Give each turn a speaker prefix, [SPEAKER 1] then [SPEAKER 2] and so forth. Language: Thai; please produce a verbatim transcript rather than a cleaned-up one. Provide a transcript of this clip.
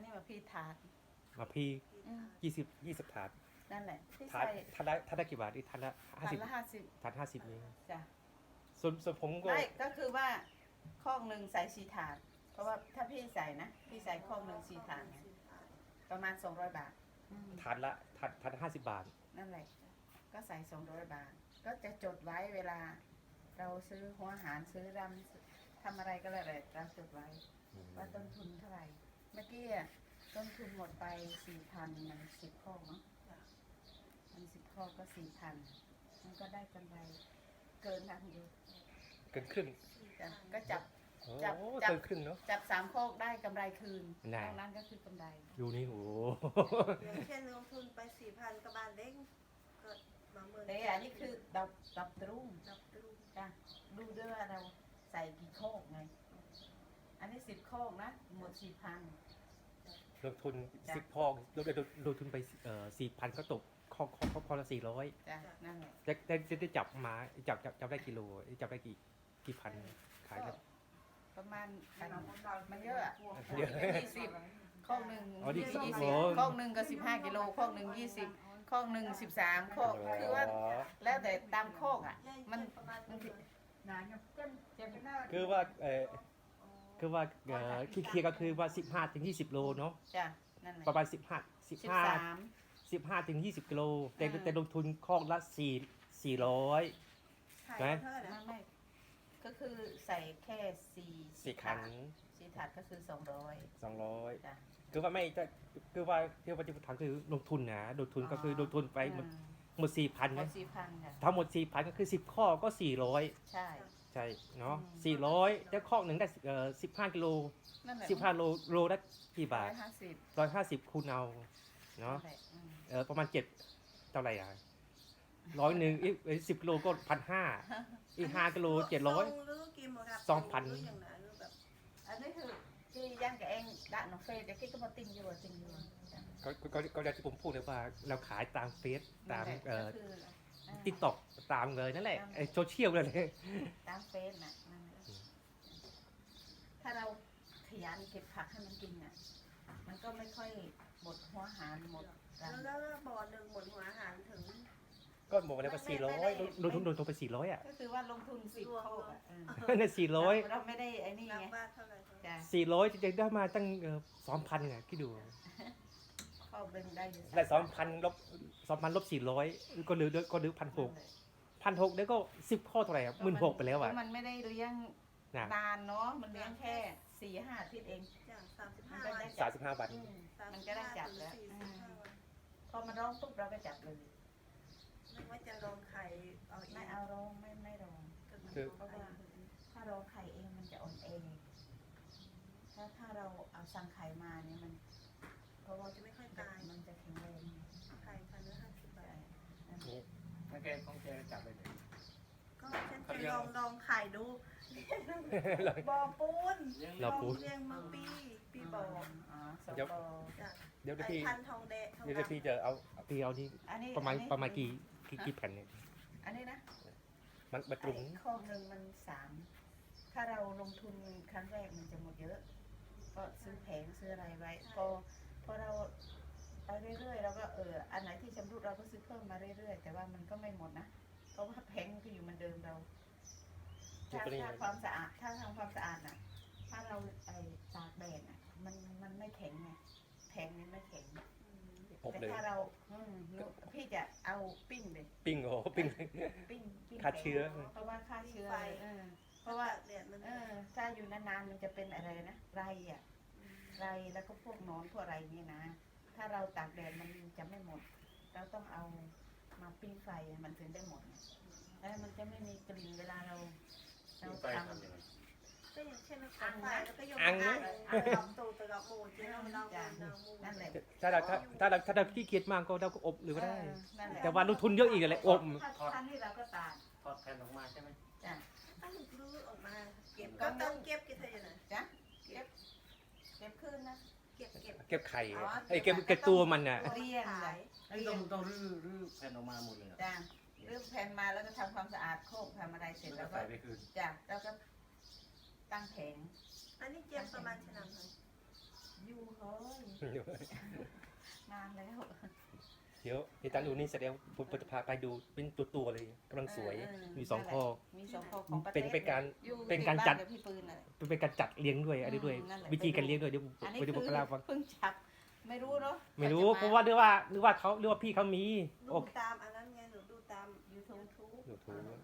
[SPEAKER 1] นี้มาพี่ถาด
[SPEAKER 2] มาพี่ยี่สิบยี่สิบถาด
[SPEAKER 1] นั่นแหละที่
[SPEAKER 2] ถาด
[SPEAKER 1] ใส่
[SPEAKER 2] ถาดละถาดละกี่บาทนี่ถาดละห้า
[SPEAKER 1] ถา
[SPEAKER 2] สิ
[SPEAKER 1] ด
[SPEAKER 2] บ
[SPEAKER 1] ละห้าสิบ
[SPEAKER 2] ถาดห้าสิบเอง
[SPEAKER 1] จ้ะ
[SPEAKER 2] ส่วนส่วนผมก็
[SPEAKER 1] ไม่ก็คือว่าข้องหนึ่งใส่สี่ถาด เพราะว่าถ้าพี่ใส่นะพี่ใส่ข้องหนึ่งสี่ถาดเนี่ยประมาณสองร้อยบาทอืม
[SPEAKER 2] ถาดละถาดถาดห้าสิบบาท
[SPEAKER 1] นั่นแหละก็ใส่สองร้อยบาท ก็จะจดไว้เวลา เราซื้อหัวอาหารซื้อรำทำอะไรก็แล้วแต่เราจดไว้ ว่าต้นทุนเท่าไหร่ เมื่อกี้อะต้นทุนหมดไปสี่พันมันสิบข้อเนาะมันสิบข้อก็สี่พันมันก็ได้กำไรเกินกันอยู่
[SPEAKER 2] เกินครึ่ง
[SPEAKER 1] จ้ะก็จับ
[SPEAKER 2] โอ้
[SPEAKER 1] จับจับ
[SPEAKER 2] เกินครึ่งเนาะ
[SPEAKER 1] จับสามข้อได้กำไรคืน
[SPEAKER 2] น่ะ
[SPEAKER 1] ตรงนั้นก็คือกำไร
[SPEAKER 2] ดูนี่โอ้
[SPEAKER 3] อย่างเช่นลงทุนไปสี่พันกระบาลเด้งก็มาเมื่อ
[SPEAKER 1] แต่อันนี้คือดับดับตรุ่ง
[SPEAKER 3] ดับตู้
[SPEAKER 1] จ้ะดูด้วยว่าเราใส่กี่โคกไง อันนี้สิบโคกนะหมดสี่พัน
[SPEAKER 2] ลงทุน
[SPEAKER 1] จ้ะ
[SPEAKER 2] สิบพอกลงลงลงทุนไปเอ่อสี่พันก็ตกข้อข้อข้อข้อละสี่ร้อย
[SPEAKER 1] จ้ะนั่นแหละ
[SPEAKER 2] จะจะจะได้จับมาจับจับจับได้กิโลจับได้กี่กี่พันขาย
[SPEAKER 1] ก็
[SPEAKER 2] แล้ว
[SPEAKER 1] ประมาณมันเยอะอะ
[SPEAKER 2] เยอะ
[SPEAKER 1] ยี่สิบข้องหนึ่ง
[SPEAKER 2] อ๋อนี่
[SPEAKER 1] ยี่
[SPEAKER 2] โอ้
[SPEAKER 1] สิบข้องหนึ่งก็สิบห้ากิโลข้องหนึ่งยี่สิบข้องหนึ่งสิบสามข้องคือว่าแล้วแต่ตามโคกอ่ะ มัน
[SPEAKER 3] ประมาณ
[SPEAKER 1] มัน
[SPEAKER 2] คือว่าเออคือว่าเอ่อคิดเคลียร์ก็คือว่าสิบห้าถึงยี่สิบโลเนาะ
[SPEAKER 1] จ้ะนั่นแหละ
[SPEAKER 2] ประมาณสิบห้าสิบ
[SPEAKER 1] สิบ
[SPEAKER 2] ห้า
[SPEAKER 1] สาม
[SPEAKER 2] สิบห้าถึงยี่สิบกิโลแต่
[SPEAKER 1] อ่า
[SPEAKER 2] แต่ลงทุนคอกละสี่สี่ร้อย
[SPEAKER 3] ขาย
[SPEAKER 2] ไหน
[SPEAKER 3] เท่าไหร่
[SPEAKER 1] ไม่
[SPEAKER 3] นะ
[SPEAKER 1] ไม่ก็คือใส่แค่สี่
[SPEAKER 2] สี่คัน
[SPEAKER 1] สี่ถาดก็คือสองร้อย
[SPEAKER 2] สองร้อย
[SPEAKER 1] จ้ะ
[SPEAKER 2] คือว่าไม่จะคือว่าที่ว่าจะถามคือลงทุนนะลงทุนก็คือลงทุนไปหมด
[SPEAKER 1] อืม
[SPEAKER 2] หมดสี่พัน
[SPEAKER 1] หม
[SPEAKER 2] นะ
[SPEAKER 1] ดสี่พันค่ะ
[SPEAKER 2] ทั้งหมดสี่พันก็คือสิบข้อก็สี่ร้อย
[SPEAKER 1] ใช่
[SPEAKER 2] ใช่เนาะ
[SPEAKER 1] อืม
[SPEAKER 2] สี่ร้อยแล้วข้อหนึ่งได้เอ่อสิบห้ากิโล
[SPEAKER 1] นั่นแหละ
[SPEAKER 2] สิบห้าโลโลได้กี่บา
[SPEAKER 1] ร้อ
[SPEAKER 2] ท
[SPEAKER 1] ยห้าสิบ
[SPEAKER 2] ร้อยห้าสิบคูณเอาเนาะ
[SPEAKER 1] นั่นแหละอืม
[SPEAKER 2] เออประมาณเจ็ดเท่าไหร่อ่ะร้อยหนึ่งอีกสิบกิโลก็พันห้าอีกห้ากิโลเจ็ดร้อย
[SPEAKER 3] ส่งหรือกินหมดครับ
[SPEAKER 2] สองพัน
[SPEAKER 3] หรืออย่างนั้นหรือแบบ
[SPEAKER 1] อันนี้คือที่ย่างกับเองด่านน้องเฟยแต่กี้ก็มาติงอยู่อะติงอยู่อะจ้ะ
[SPEAKER 2] ก็ก็ก็อย่างที่ผมพูดเลยว่าเราขายตามเฟซตาม
[SPEAKER 1] นั่นแหละ
[SPEAKER 2] เอ่อ
[SPEAKER 1] ก็คืออ่า
[SPEAKER 2] ติ๊กต็อกตามเลยนั่นแหละไอ้โซเชียลเลย
[SPEAKER 1] ตามเฟซน่ะนั่นแหละถ้าเราขยันเก็บผักให้มันกินอ่ะ มันก็ไม่ค่อยหมดหัวอาหารหมดรัง
[SPEAKER 3] แล้วแล้วบ่อหนึ่งหมดหัวอาหารถึง
[SPEAKER 2] ก็บอกเลยว่าสี่ร้อยลงทุนลงทุนไปสี่ร้อยอ่ะ
[SPEAKER 1] ก็คือว่าลงทุนสิบ
[SPEAKER 3] รวม
[SPEAKER 1] โคก
[SPEAKER 3] เน
[SPEAKER 1] อ่ะ
[SPEAKER 3] อะ
[SPEAKER 1] เออ
[SPEAKER 2] เนี่ยสี่ร้อย
[SPEAKER 1] เราไม่ได้ไอ้นี่
[SPEAKER 3] นับ
[SPEAKER 1] ไง
[SPEAKER 3] ว่าเท่าไหร่
[SPEAKER 1] จ้ะ
[SPEAKER 2] สี่ร้อยจะได้มาตั้งสองพันไงคิดดู
[SPEAKER 1] เข้าเบิ่งได้อยู่
[SPEAKER 2] ได้สองพันลบสองพันลบสี่ร้อยก็เหลือก็เหลือพันหกพันหกแล้วก็สิบข้อเท่าไหร่อ่ะหมื่นหกไปแล้วอ่ะ
[SPEAKER 1] มันไม่ได้เลี้ยง
[SPEAKER 2] นะ
[SPEAKER 1] นานเนาะมันเลี้ยงแค่สี่ห้าอาทิตย์เอง
[SPEAKER 3] จ้ะสามสิบ
[SPEAKER 1] มั
[SPEAKER 3] ห้าน
[SPEAKER 1] ก็
[SPEAKER 3] วัน
[SPEAKER 1] ได้
[SPEAKER 2] สามสิบห้าบาท
[SPEAKER 1] อืม
[SPEAKER 3] สา
[SPEAKER 1] มัน
[SPEAKER 3] สิบ
[SPEAKER 1] ก็ได้
[SPEAKER 3] ห้า
[SPEAKER 1] จับ
[SPEAKER 3] ถึง
[SPEAKER 1] แล้ว
[SPEAKER 3] สี่
[SPEAKER 1] อื
[SPEAKER 3] สิบ
[SPEAKER 1] ม
[SPEAKER 3] ห้าวัน
[SPEAKER 1] พอมันร้องปุ๊บเราก็จับเลย
[SPEAKER 3] ไม่ว่าจะลงไข่เอาเอง
[SPEAKER 1] ไม่เอาร้องไม่ไม่ร้อง
[SPEAKER 3] ก็
[SPEAKER 2] คือ
[SPEAKER 1] เพราะว่าถ้าเราไข่เองมันจะอ่อนเองถ้าถ้าเราเอาสั่งไข่มาเนี่ยมัน เพราะว่า
[SPEAKER 3] จะไม่ค่อย
[SPEAKER 1] ตา
[SPEAKER 3] ตาย ย
[SPEAKER 1] มันจะแข็งแรง
[SPEAKER 3] ไข่พันละห้าสิบบา
[SPEAKER 1] ใช่
[SPEAKER 3] ท
[SPEAKER 2] นี่
[SPEAKER 4] ถ้าแกของแกจับไปเลย
[SPEAKER 3] ก็ฉันจะลองลองไข่ดูบ่อปูน
[SPEAKER 2] เราปู
[SPEAKER 3] เลี้ยงมาปีปีบ่อ
[SPEAKER 1] อ๋อสอง
[SPEAKER 2] เดี๋ยว
[SPEAKER 1] ปอ
[SPEAKER 3] จ้ะ
[SPEAKER 2] เดี๋ยว
[SPEAKER 3] ไอ้
[SPEAKER 2] พี่
[SPEAKER 3] พันทองแดงทอง
[SPEAKER 2] เดี๋ยว
[SPEAKER 3] ดำ
[SPEAKER 2] พี่จะเอาพี่เอานี่
[SPEAKER 1] อันนี้
[SPEAKER 2] ประมาณ
[SPEAKER 1] อันนี้
[SPEAKER 2] ประมาณกี่กี่กี่แผ่นเนี่ย
[SPEAKER 1] อันนี้นะ
[SPEAKER 2] มันมาตรุง
[SPEAKER 1] ไอ้ข้อหนึ่งมันสามถ้าเราลงทุนครั้งแรกมันจะหมดเยอะ ก็ซื้อแผงซื้ออะไรไว้พอพอเราไปเรื่อยๆเราก็เอออันไหนที่ชำรุดเราก็ซื้อเพิ่มมาเรื่อยๆแต่ว่ามันก็ไม่หมดนะเพราะว่าแผงมันก็อยู่เหมือนเดิมเรา
[SPEAKER 2] จุด
[SPEAKER 1] ถ้า
[SPEAKER 2] ตัวนี้
[SPEAKER 1] ถ้าความสะอาดถ้าทำความสะอาดน่ะ ถ้าเราไอ้ตากแดดน่ะ มันมันไม่แข็งไงแผงนี้ไม่แข็ง
[SPEAKER 2] อบ
[SPEAKER 1] แต่
[SPEAKER 2] เลย
[SPEAKER 1] ถ้าเราอืมหนูพี่จะเอาปิ้งเลย
[SPEAKER 2] ปิ้งโอ้ปิ้ง
[SPEAKER 1] ปิ้งปิ้ง
[SPEAKER 2] ฆ่าเชื้อ
[SPEAKER 1] แข็งเพราะว่าฆ่าเชื้อ
[SPEAKER 3] ไฟ
[SPEAKER 1] เออเพราะว่า
[SPEAKER 3] แดดมัน
[SPEAKER 1] เออถ้าอยู่นานๆมันจะเป็นอะไรนะไรอ่ะไรแล้วก็พวกหนอนพวกอะไรเนี่ยนะ ถ้าเราตากแดดมันจะไม่หมด เราต้องเอามาปิ้งไฟมันถึงได้หมดแล้วมันจะไม่มีกลิ่นเวลาเราเรา
[SPEAKER 4] ไป
[SPEAKER 1] ท
[SPEAKER 4] ทำยังไง
[SPEAKER 3] ก็อย่างเช่นเราตัดไฟแล้วก็โยน
[SPEAKER 2] อัง
[SPEAKER 3] อ่า
[SPEAKER 2] นะ
[SPEAKER 3] งอ่างตูตะกะโมเจ้าเราเราเรามู
[SPEAKER 1] ำนั่นแหละ
[SPEAKER 2] ถ้าเราถ้าถ้าเราถ้าเราขี้เกียจมากก็เราก็อบหรือก็ได้
[SPEAKER 1] เออนั่นแหละ
[SPEAKER 2] แต่ว่าลงทุนเยอะอีกอะไรอบ
[SPEAKER 1] ถ้าทันที่เราก็ตาก
[SPEAKER 4] ทอดแผ่นออกมาใช่ไหม
[SPEAKER 1] จ้ะ
[SPEAKER 3] ถ้าหลุดลื้อออกมาเก็บก็ต้องเก็บกี่เท่าไหร่
[SPEAKER 1] จ้ะเก็บเก็บขึ้นนะ
[SPEAKER 3] เก็บเก็บ
[SPEAKER 2] เก็บไข่
[SPEAKER 1] อ๋อ
[SPEAKER 2] ไอ้ยเก็บเก็บตัวมันน่ะ
[SPEAKER 1] เรียงเลย
[SPEAKER 4] นี่ต้องต้องรื้อรื้อแผ่นออกมาหมดเลยเหรอ
[SPEAKER 1] จ้ะเริ่มแผ่นมาแล้วก็ทำความสะอาดโคกทำอะไรเสร็จ
[SPEAKER 4] แล้
[SPEAKER 1] แล้ว ว
[SPEAKER 4] ก็
[SPEAKER 1] ก็
[SPEAKER 4] ใส่ไปคืน
[SPEAKER 1] จ้ะแล้วก็ตั้งแผง
[SPEAKER 3] อันนี้เจ็บประมาณชนะไหน
[SPEAKER 1] ยูเขายนานแล้ว
[SPEAKER 2] เดี๋ยวเดี๋ยวตามดูนี่เสร็จแล้วผมจะพาไปดูเป็นตัวตัวๆเลยกำลังสวย
[SPEAKER 1] เออ
[SPEAKER 2] มีสองข้อ
[SPEAKER 1] มีสองข้อของประเทศ
[SPEAKER 2] เป็นเป็นการ
[SPEAKER 1] อยู่
[SPEAKER 2] เป็นการจัด
[SPEAKER 1] ที่บ้นกับพี่ปืนน่ะ
[SPEAKER 2] เป็นการจัดเลี้ยงด้วยอะไรด้วย
[SPEAKER 1] อืมนั่นแหละ
[SPEAKER 2] วิธีการเลี้ยงด้วยเดี๋ยว
[SPEAKER 1] อันนี้
[SPEAKER 2] เดี๋ยวผม
[SPEAKER 1] คือ
[SPEAKER 2] เล่าฟัง
[SPEAKER 1] เพิ่งจับไม่รู้เนาะ
[SPEAKER 2] ไม่รู้
[SPEAKER 1] กจ
[SPEAKER 2] เพราะว่าเรียกว่าเรียกว่าเขาเรียกว่าพี่เขามี
[SPEAKER 3] ดู
[SPEAKER 2] โอ้
[SPEAKER 3] ตามอันนั้นไงหนูดูตาม
[SPEAKER 1] ยูทูบ
[SPEAKER 3] YouTube
[SPEAKER 2] ดูถูก